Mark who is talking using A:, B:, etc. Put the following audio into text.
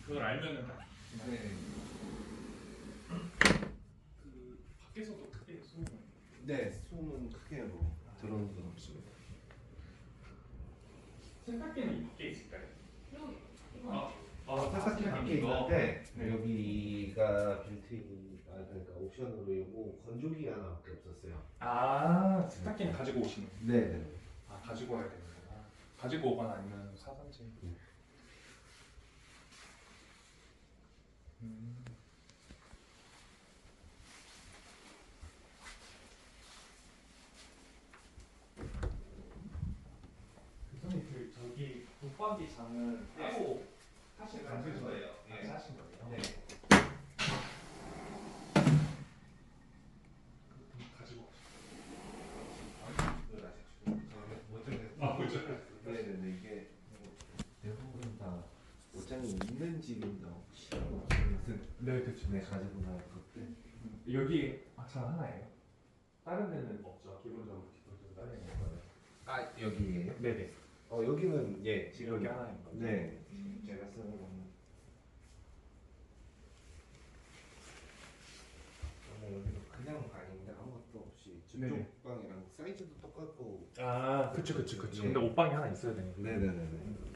A: 그걸 알면은 딱.
B: 네.
A: 그 밖에서도 크게 소음을.
B: 네, 소음은 크게 뭐 들어오는 건 없습니다.
A: 세탁기는 밖에 있을까요?
B: 세탁기 밖에 있는데 여기가 빌트인 그러니까 옵션으로 요거 건조기 하나밖에 없었어요.
A: 아, 세탁기는 가지고 오시는.
B: 네.
A: 아, 가지고 와야 되는구나. 가지고 오거나 아니면 사든지. 교수님 그 저기 붙박이 장은 따로 사실
B: 사신 거예요.
A: 네, 사신 거예요.
B: 네.
A: 가지고
B: 네네네 이게 대부분 다 옷장이 있는 집입니다. 혹시 없으면
A: 네, 그렇죠.
B: 네 가지고 나올 것들.
A: 여기 장 하나예요? 다른 데는 없죠. 기본적으로 다른 데는 없어요.
B: 아 여기에요?
A: 네네.
B: 여기는 예 지금
A: 여기 하나인 거죠?
B: 네 제가 쓰는 거는 여기도 그냥 방인데 아무것도 없이 저쪽
A: 네네.
B: 방이랑 사이즈도 똑같고.
A: 아, 그쵸.
B: 네.
A: 근데 옷방이 하나 있어야 되니까.
B: 네네네네.